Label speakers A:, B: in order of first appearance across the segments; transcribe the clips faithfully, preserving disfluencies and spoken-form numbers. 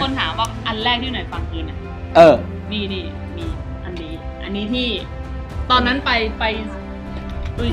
A: คนถามว่าอันแรกที่ไหนฟังคืนเนี่ย
B: เออ
A: นี่นี่มีอันนี้ อันนี้ที่ ตอนนั้นไปไปอุ้ย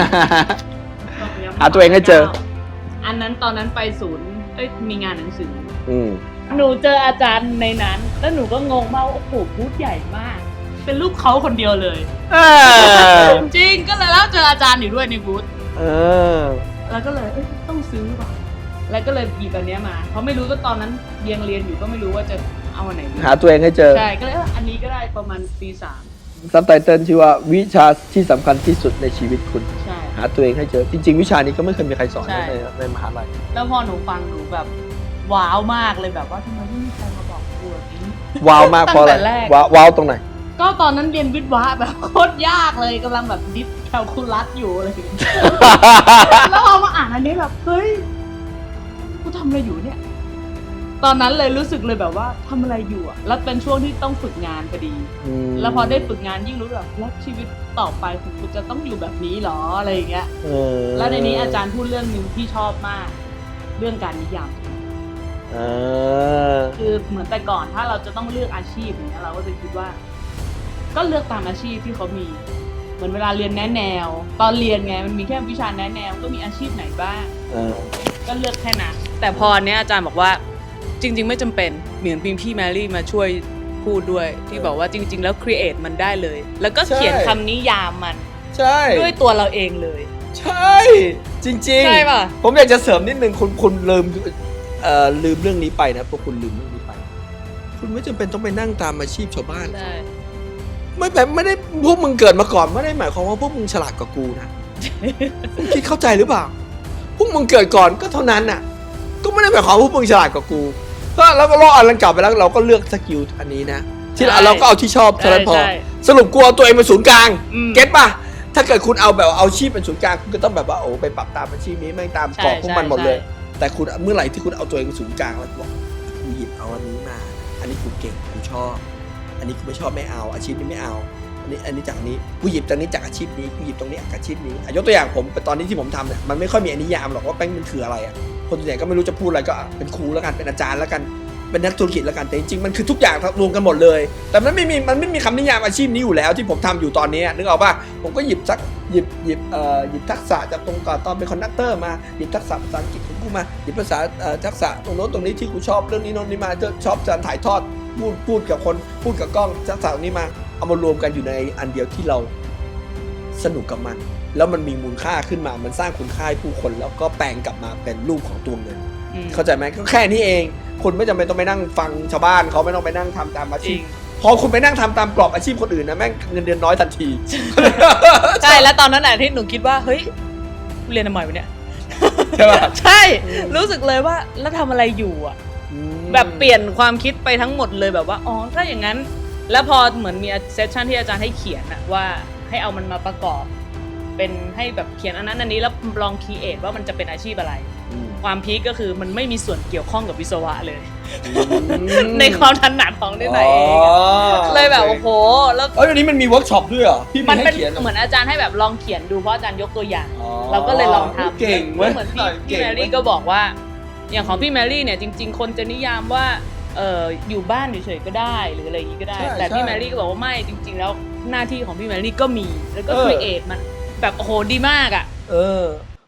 B: หาตัวเองให้เจอ
A: อันนั้นตอนนั้นไปศูนย์เอ้ยมีงานหนังสือ
B: อืม
A: หนูเจออาจารย์ในนั้น แล้วหนูก็งงมากว่าโอ้โหบูธใหญ่มาก เป็นรูปเขาคนเดียวเลย
B: เออ
A: จริงก็เลยแล้วเจออาจารย์อยู่ด้วยในบูธ
B: เออ
A: แล้วก็เลยเอ้ยต้องซื้อว่ะแล้วก็เลยหยิบอันเนี้ยมาเพราะไม่รู้ว่าตอนนั้นเรียนเรียนอยู่ก็ไม่รู้ว่าจะเอาอันไหนดี
B: หาตัวเองให้เจอ
A: ใช่ก็เลยเอออันนี้ก็ได้ประมาณปีสาม
B: ซับไตเติลชื่อว่าวิชาที่สำคัญที่สุดในชีวิตคุณ
A: ใช่
B: หาตัวเองให้เจอ จริง ๆ วิชานี้ก็ไม่เคยมีใครสอน
A: ใช่
B: ในในมหาลัย
A: แล้วพอหนูฟังหนูแบบว้าวมากเลยแบบว่าทำไมไม่มีใครมาบอกกูแบบนี้
B: ว้าวมากเพราะอะไร
A: ตั้งแต่แรก
B: ว้าวว้าวตรงไหน
A: ก็ตอนนั้นเรียนวิทย์วะแบบโคตรยากเลยกำลังแบบดิฟแคลคูลัสอยู่อะไรอย่างเงี้ย แล้วพอมาอ่านอันนี้แบบเฮ้ยกูทำอะไรอยู่เนี่ย ตอนนั้นเลยรู้สึกเลยแบบว่าทำอะไรอยู่อะแล้วเป็นช่วงที่ต้องฝึกงานพอดี
B: อืม
A: แล้วพอได้ฝึกงานยิ่งรู้แบบแล้วชีวิตต่อไปของกูจะต้องอยู่แบบนี้หรออะไรอย่างเงี้ย
B: เออ
A: แล้วในนี้อาจารย์พูดเรื่องหนึ่งที่ชอบมาก เรื่องการนิยาม
B: เออ
A: คือเหมือนแต่ก่อนถ้าเราจะต้องเลือกอาชีพอย่างเงี้ยเราก็จะคิดว่า ก็เลือกตามอาชีพที่เขามี เหมือนเวลาเรียนแนะแนว ตอนเรียนไงมันมีแค่วิชาแนะแนวก็มีอาชีพไหนบ้าง
B: เออ
A: ก็เลือกแค่นั้นแต่พอเนี้ยอาจารย์บอกว่าจริง ๆ ไม่จำเป็นเหมือนพิมพี่แมรี่มาช่วยพูดด้วย ที่บอกว่าจริง ๆ แล้วครีเอทมันได้เลย แล้วก็เขียนคำนิยามมัน
B: ใช่
A: ด้วยตัวเราเองเลย
B: ใช่ จริงๆ
A: ใช่ป่ะ
B: ผมอยากจะเสริมนิดนึงคุณคุณลืมเอ่อลืมเรื่องนี้ไปนะพวกคุณลืมเรื่องนี้ไป คุณไม่จำเป็นต้องไปนั่งตามอาชีพชาวบ้าน
A: ใช่
B: ไม่แบบไม่ได้พวกมึงเกิดมาก่อนไม่ได้หมายความว่าพวกมึงฉลาดกว่ากูนะ คุณคิดเข้าใจหรือเปล่า พวกมึงเกิดก่อนก็เท่านั้นน่ะ ก็ไม่ได้หมายความว่าพวกมึงฉลาดกว่ากูก็แล้วก็รออันลังกลับไปแล้วเราก็เลือกสกิลอันนี้นะ ที่เราเราก็เอาที่ชอบเท่านั้นพอ
A: ใช่
B: สรุปกูเอาตัวเองเป็นศูนย์กลาง
A: อืม
B: เก็ตป่ะ ถ้าเกิดคุณเอาแบบเอาอาชีพเป็นศูนย์กลางคุณก็ต้องแบบว่าโอ้ไปปรับตามอาชีพนี้ไม่งตามกรอบของมันหมดเลย แต่คุณเมื่อไหร่ที่คุณเอาตัวเองเป็นศูนย์กลางแล้วบอกกูหยิบเอาอันนี้มา อันนี้กูเก่งกูชอบ อันนี้กูไม่ชอบไม่เอาอาชีพนี้ไม่เอา อันนี้อันนี้จากนี้กูหยิบตรงนี้จากอาชีพนี้กูหยิบตรงนี้จากอาชีพนี้อ่ะยกตัวอย่างผมตอนนี้ที่ผมทำเนี่ยมันไม่ค่อยมีนิยามหรอกว่าแป้งมันคืออะไรอ่ะคนส่วนใหญ่ก็ไม่รู้จะพูดอะไรก็อ่ะเป็นครูแล้วกันเป็นอาจารย์แล้วกันเป็นนักธุรกิจแล้วกันแต่จริงๆมันคือทุกอย่างรวมกันหมดเลย แต่มันไม่มีมันไม่มีคำนิยามอาชีพนี้อยู่แล้วที่ผมทำอยู่ตอนนี้นึกออกป่ะผมก็หยิบสักหยิบหยิบเอ่อหยิบทักษะจากตรงก่อนตอนเป็นคอนดักเตอร์มาหยิบทักษะภาษาอังกฤษของกูมาหยิบภาษาเอ่อทักษะตรงโน้นตรงนี้ที่กูชอบเรื่องนี้โน้นนี้มาชอบการถ่ายทอดพูดพูดกับคนพูดกับกล้องทักษะตรงนี้มาเอามารวมกันอยู่ในอันเดียวที่เราสนุกกับมันแล้วมันมีมูลค่าขึ้นมามันสร้างคุณค่าให้ผู้คนแล้วก็แปลงกลับมาเป็นรูปของตัวเงิน
A: อืม
B: เข้าใจไหมก็แค่นี้เองคุณไม่จำเป็นต้องไปนั่งฟังชาวบ้านเขาไม่ต้องไปนั่งทำตามอา
A: จ
B: ชี
A: ริ
B: พ
A: ง
B: พอคุณไปนั่งทำตามกรอบอาชีพคนอื่นนะแม่งเงินเดือนน้อยทันที
A: ใช่แล้วตอนนั้นน่ะที่หนูคิดว่าเฮ้ยเรียนทำไมวะเนี่ย
B: ใช่ป่ะ
A: ใช่รู้สึกเลยว่าแล้วทำอะไรอยู่อ่ะ แบบเปลี่ยนความคิดไปทั้งหมดเลยแบบว่าอ๋อถ้าอย่างนั้น แล้วพอเหมือนมีเซสชันที่อาจารย์ให้เขียนอะว่าให้เอามันมาประกอบ เป็นให้แบบเขียนอันนั้นอันนี้แล้วลองคีเอทว่ามันจะเป็นอาชีพอะไร
B: อืม
A: ความพีคก็คือมันไม่มีส่วนเกี่ยวข้องกับวิศวะเลย
B: อืม
A: ในความถนัดของนิดหน่อยเองอะเลยแบบโอ้โหแล้ว
B: เอ้ยวันนี้มันมีเวิร์กช็อปด้วยเหรอพี่
A: มัน
B: มี
A: เป็
B: ให้
A: น
B: เขียน
A: เหมือนอาจารย์ให้แบบลองเขียนดูเพราะอาจารย์ยกตัวอย่าง
B: อ๋อ
A: เราก็เลยลองทำ
B: เก่งเว้ย
A: เหมือนพี่
B: เก่
A: พี่
B: ง
A: แมรี่ก็บอกว่า อย่างของพี่แมรี่เนี่ยจริง ๆ คนจะนิยามว่าเอออยู่บ้านเฉยๆก็ได้หรืออะไรอย่างนี้ก็ได้
B: ใช่
A: แต่พี่
B: ใช่
A: แมรี่ก็บอกว่าไม่จริง ๆ แล้วหน้าที่ของพี่แมรี่ก็มีแล้วก็
B: เออ
A: ครีเอทมันแบบโอ้โหดีมากอ่ะ
B: เออ